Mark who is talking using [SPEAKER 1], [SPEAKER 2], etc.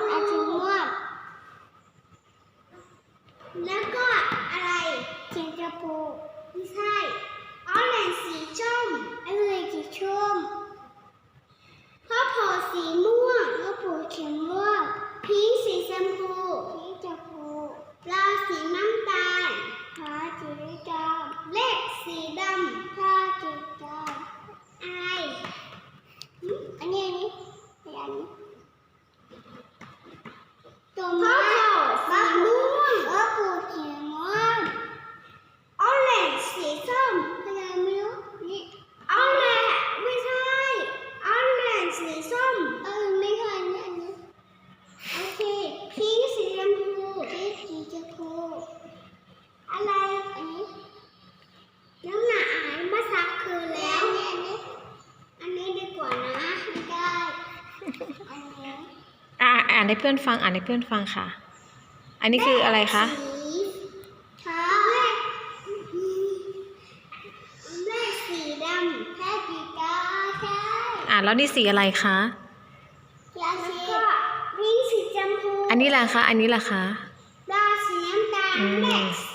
[SPEAKER 1] อาสีม่วงแล้วก็อะไรสีชมพูไม่ใช่ออเรนจ์สีส้มอะไรสีส้มข้าวโพดสีม่วงข้าวโพดสีม่วงพิงค์สีชมพูพิงค์ชมพูปลาสีน้ำตาลปลาสีดำเลขสีดำปลาสีดำอะไรอันนี้ตัวม่วงสีม่วงข้าวโพดสีม่วงออเรนจ์สีส้มอะไรไม่รู้นี่ออเรนจ์ไม่ใช่ออเรนจ์สีส้มไม่ใช่อันนี้โอเคพิงค์สีชมพูพิงค์สีชมพูอะไรอันนี้น้ำหนักอ่านภาษาคือแล้วอันนี้ดีกว่านะไม่ได้อันนี้
[SPEAKER 2] อ่านให้เพื่อนฟังอ่านให้เพื่อนฟังค่ะอันนี้คืออะไรคะ
[SPEAKER 1] เลขสีดำแค่สีกาใช่
[SPEAKER 2] แล้วนี่สีอะไรคะ
[SPEAKER 1] แล้วก็พิงค์สีชมพู
[SPEAKER 2] อันนี้ล่ะคะอันนี้ล่ะคะ
[SPEAKER 1] ปลาสีน้ำตาลเลข